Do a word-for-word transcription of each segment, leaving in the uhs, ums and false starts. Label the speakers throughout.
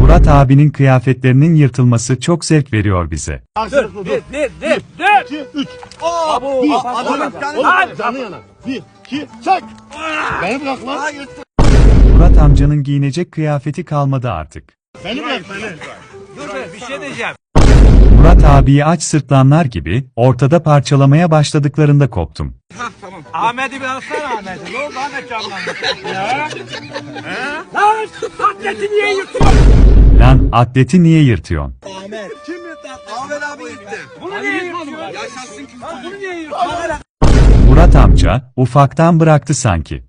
Speaker 1: Murat abinin kıyafetlerinin yırtılması çok zevk veriyor bize.
Speaker 2: Dur, dur, dur, dur, dur.
Speaker 3: iki, üç.
Speaker 2: Abo,
Speaker 3: Bir,
Speaker 2: adamın
Speaker 3: oğlum, canı yanar. Bir, iki, çek. Beni bırak lan.
Speaker 1: Murat amcanın giyinecek kıyafeti kalmadı artık.
Speaker 3: Beni bırak beni.
Speaker 2: Dur be, bir şey diyeceğim.
Speaker 1: Murat abiyi aç sırtlanlar gibi ortada parçalamaya başladıklarında koptum.
Speaker 2: Hah, tamam. Ahmet'i bir alsana Ahmet'i. Ne oldu Ahmet camlandı? Ya? He? Lan, atleti niye yırtıyorsun?
Speaker 1: Lan atleti niye yırtıyorsun?
Speaker 2: Ahmet. Kim yırttı? Ahmet abi yırttı. Bunu niye yırtıyorsun? Yaşasın kim? Bunu niye yırtıyorsun?
Speaker 1: Murat amca ufaktan bıraktı sanki.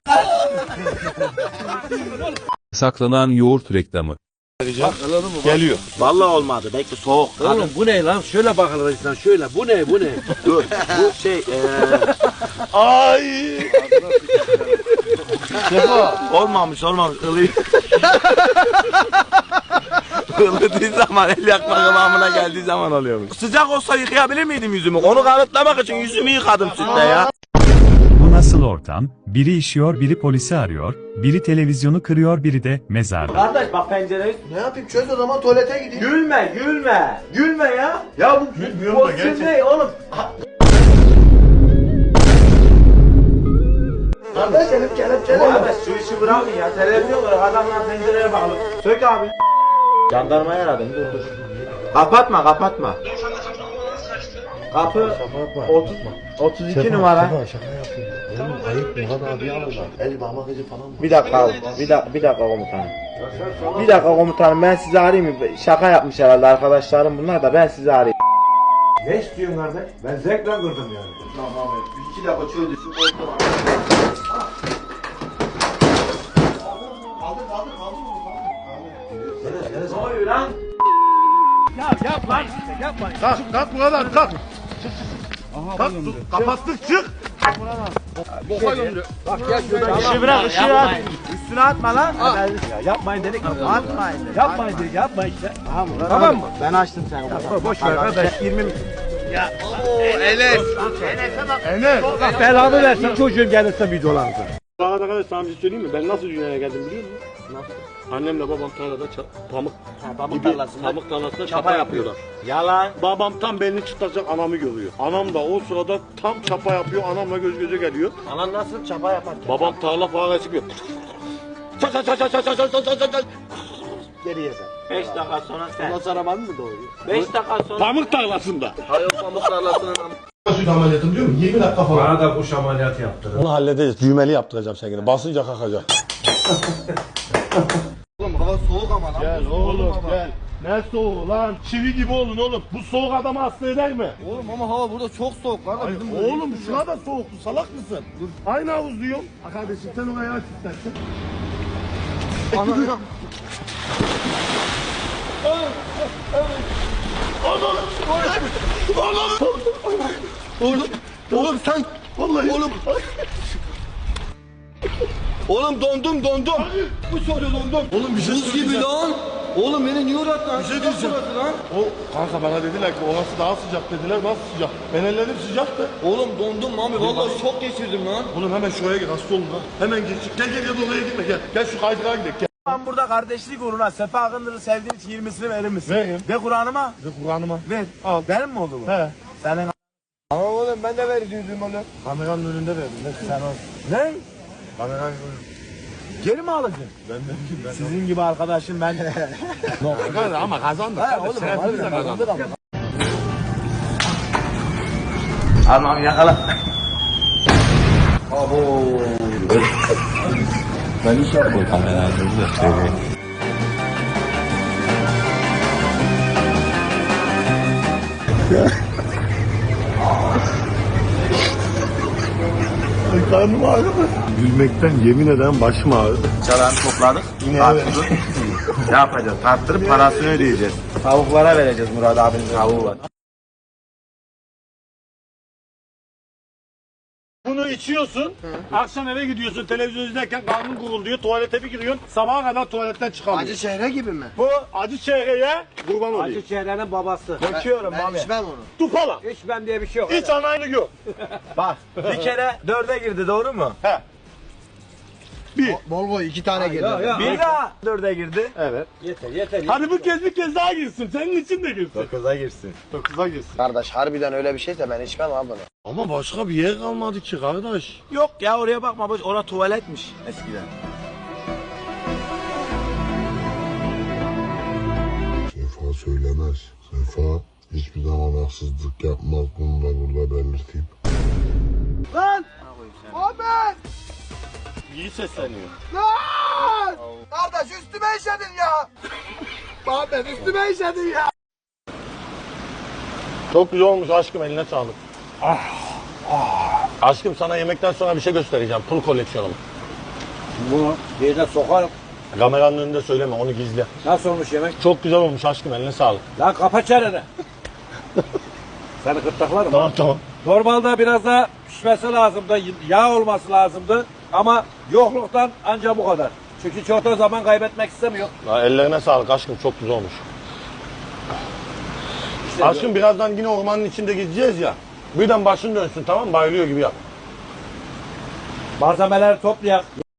Speaker 4: Saklanan yoğurt reklamı.
Speaker 3: Geliyor.
Speaker 5: Vallahi olmadı. Belki soğuk.
Speaker 6: Oğlum bu ne lan? Şöyle bakalım insan şöyle. Bu ne bu ne?
Speaker 5: Dur. Bu şey eee
Speaker 3: Ay.
Speaker 5: olmamış olmamış. Ilıyor. Ilıdığı zaman el yakma kıvamına geldiği zaman oluyormuş. Sıcak olsa yıkayabilir miydim yüzümü? Onu kanıtlamak için yüzümü yıkadım sütle ya.
Speaker 1: Bu nasıl ortam? Biri işiyor, biri polisi arıyor, biri televizyonu kırıyor, biri de mezarda.
Speaker 5: Kardeş bak pencereyi.
Speaker 3: Ne yapayım çöz o zaman tuvalete gideyim.
Speaker 5: Gülme gülme. Gülme ya. Ya bu
Speaker 3: Gülmüyorum da
Speaker 5: pozisyon
Speaker 3: gerçekten.
Speaker 5: ne oğlum?
Speaker 3: Kardeş elim kelepçeli.
Speaker 5: Abi şu işi bırakın ya. Televizyon var. Adamlar pencereye bağlı. Sök abi. Jandarmayı aradım. Dur dur. Kapatma kapatma. Kapı otuz, otuz iki numara.
Speaker 3: Şaka yapıyorum. Oğlum ayıp Murat abi alırlar. El parmak izi falan mı?
Speaker 5: Bir dakika abi. Bir dakika, bir dakika komutanım. Bir dakika komutanım ben sizi arayayım mı? Şaka yapmış herhalde arkadaşlarım bunlar da ben sizi arayayım.
Speaker 6: Ne istiyorsun kardeş? Ben zevkle kırdım yani.
Speaker 3: Tamam abi. Bir iki dakika çözdürsün. Kaldır kaldır kaldır bunu.
Speaker 5: Ne oluyor lan?
Speaker 2: Ya yapma işte, yapma.
Speaker 3: Kalk kalk Murat kalk. Kalk sus, kapattık çık. Boka gömdü.
Speaker 2: Bak gel şuradan.
Speaker 5: İşi bırak ışığı at. Üstüne atma lan.
Speaker 2: Ya yapmayın dedik.
Speaker 5: Atmayın. dedik.
Speaker 2: Yapmayın dedik, yapma işte.
Speaker 5: Tamam mı?
Speaker 2: Tamam mı?
Speaker 5: Ben açtım seni.
Speaker 2: Boş ver kardeş.
Speaker 5: yirmi
Speaker 3: Enes.
Speaker 2: Allah belanı versin çocuğum gelirse videolarınıza.
Speaker 7: Daha arkadaş sana bir şey söyleyeyim mi? Ben nasıl dünyaya geldim biliyor musun? Nasıl? Annemle babam tarlada ça- pamuk,
Speaker 5: pamuk
Speaker 7: gibi,
Speaker 5: tarlasında
Speaker 7: pamuk tarlasında
Speaker 5: çapa
Speaker 7: çapa,
Speaker 5: yapıyor.
Speaker 7: yapıyorlar.
Speaker 5: Yalan.
Speaker 7: Babam tam belini çıtlatacak anamı görüyor. Anam da o sırada tam çapa yapıyor, anamla göz göze geliyor.
Speaker 5: Anan nasıl çapa yaparken?
Speaker 7: Babam tarla faresi çıkıyor. Çat çat çat çat çat çat çat çat çat çat.
Speaker 5: Geriye sen. beş dakika sonra sen.
Speaker 3: Nasıl arabanı mı doğuyor?
Speaker 5: beş dakika sonra.
Speaker 7: Pamuk tarlasında.
Speaker 5: Hayır pamuk tarlasının.
Speaker 3: Süt ameliyatı biliyor musun? yirmi dakika falan.
Speaker 6: Bana da kuş ameliyatı yaptırın.
Speaker 3: Onu halledeceğiz. Düğmeli yaptıracağım seni. Basınca kalkacak.
Speaker 5: Oğlum hava soğuk ama lan.
Speaker 3: Gel oğlum gel. Ne soğuğu lan? Çivi gibi olun oğlum. Bu soğuk adamı hasta eder mi?
Speaker 5: Oğlum ama hava burada çok soğuk var da
Speaker 3: Ay,
Speaker 5: bizim
Speaker 3: oğlum şuna da soğuktu. Salak mısın? Dur. Aynı havuz diyorum. Ha kardeşim sen oraya aç istersen.
Speaker 5: Ana.
Speaker 3: Oğlum. Oğlum sen. Vallahi. Oğlum.
Speaker 5: Oğlum dondum dondum.
Speaker 3: Bu soruyor dondum. Oğlum bir şey
Speaker 5: Buz gibi lan. Oğlum beni niye uğrattın?
Speaker 3: Bir şey diyeceğim.
Speaker 5: Lan.
Speaker 3: O kanka bana dediler ki orası daha sıcak dediler. Nasıl sıcak? Ben ellerim sıcaktı.
Speaker 5: Oğlum dondum abi. Vallahi şok geçirdim lan.
Speaker 3: Oğlum hemen şuraya gir hasta olun lan. Hemen gir. Gel gel gel oraya gitme gel. Gel şu kaydırağa gidelim gel.
Speaker 5: Ben burada kardeşlik uğruna Sefa Akındır'ı sevdiğin için yirmisini verir misin?
Speaker 3: Veririm.
Speaker 5: Ve Kur'an'ıma
Speaker 3: Ve Kur'an'ıma.
Speaker 5: ver.
Speaker 3: Al.
Speaker 5: Benim mi oldu bu?
Speaker 3: He.
Speaker 5: Senin ama oğlum ben de veriyordum oğlum.
Speaker 3: Kameranın önünde verdim. Ne
Speaker 5: Sen ol. Ne?
Speaker 3: Kameranın önünde.
Speaker 5: Geri mi alacaksın?
Speaker 3: Ben de ben
Speaker 5: Sizin gibi arkadaşım ben de.
Speaker 3: de. Ama kazandık.
Speaker 5: Ha oğlum
Speaker 3: Şerefimiz de
Speaker 5: harbiden
Speaker 3: kazandık.
Speaker 5: kazandık ama. Almam yakala. Abo.
Speaker 4: Ben iş yapmıyorum kameranızı.
Speaker 3: Ay karnım ağrıdı. Gülmekten yemin eden başım ağrıdı.
Speaker 5: Çalanı topladık.
Speaker 3: Yine
Speaker 5: Tarttık. Ne yapacağız? Tarttırıp parasını ödeyeceğiz. Tavuklara vereceğiz Murat abinin tavuğu var.
Speaker 7: Bunu içiyorsun, akşam eve gidiyorsun, televizyon izlerken karnın gurulduyor, tuvalete bir giriyorsun, sabaha kadar tuvaletten çıkamıyorsun.
Speaker 3: Acı şehre gibi mi?
Speaker 7: Bu acı çehreye kurban olayım.
Speaker 6: Acı çehrenin babası.
Speaker 5: Döküyorum abi.
Speaker 3: İçmem onu.
Speaker 7: Tupala.
Speaker 6: İçmem diye bir şey yok.
Speaker 7: İç anayını gör.
Speaker 5: Bak bir kere dörde girdi doğru mu?
Speaker 7: He. Bir.
Speaker 3: Volvo iki tane girdi.
Speaker 5: Bir daha dörde girdi.
Speaker 3: Evet.
Speaker 2: Yeter yeter.
Speaker 7: Hadi bu kez bir kez daha girsin. Senin için de girsin.
Speaker 5: Dokuza girsin.
Speaker 7: Dokuza girsin.
Speaker 3: Kardeş harbiden öyle bir şeyse ben içmem abi bunu.
Speaker 7: Ama başka bir yer kalmadı ki kardeş.
Speaker 5: Yok ya oraya bakma boş. Orası tuvaletmiş eskiden.
Speaker 8: Sefa söylemez. Sefa hiçbir zaman haksızlık yapmaz. Bunu da burada belirteyim.
Speaker 3: Lan! Ahmet!
Speaker 7: İyi sesleniyor.
Speaker 3: Lan! Kardeş üstüme işedin ya! Ahmet üstüme işedin ya!
Speaker 7: Çok güzel olmuş aşkım, eline sağlık. Ah, ah. Aşkım sana yemekten sonra bir şey göstereceğim. Pul koleksiyonum.
Speaker 2: Bunu yerine sokarım.
Speaker 7: Kameranın önünde söyleme, onu gizle.
Speaker 2: Nasıl olmuş yemek?
Speaker 7: Çok güzel olmuş aşkım, eline sağlık.
Speaker 2: Lan kapa çeneni. Seni gırtlaklarım.
Speaker 7: Tamam tamam.
Speaker 2: Normalde biraz daha pişmesi lazımdı. Yağ olması lazımdı. Ama yokluktan ancak bu kadar. Çünkü çok da zaman kaybetmek istemiyor.
Speaker 7: Ya, ellerine sağlık aşkım, çok güzel olmuş.
Speaker 2: İşte
Speaker 7: Aşkım birazdan yine ormanın içinde gideceğiz ya. Birden başın dönsün, tamam mı? Bayılıyor gibi yap.
Speaker 2: malzemeleri toplayak.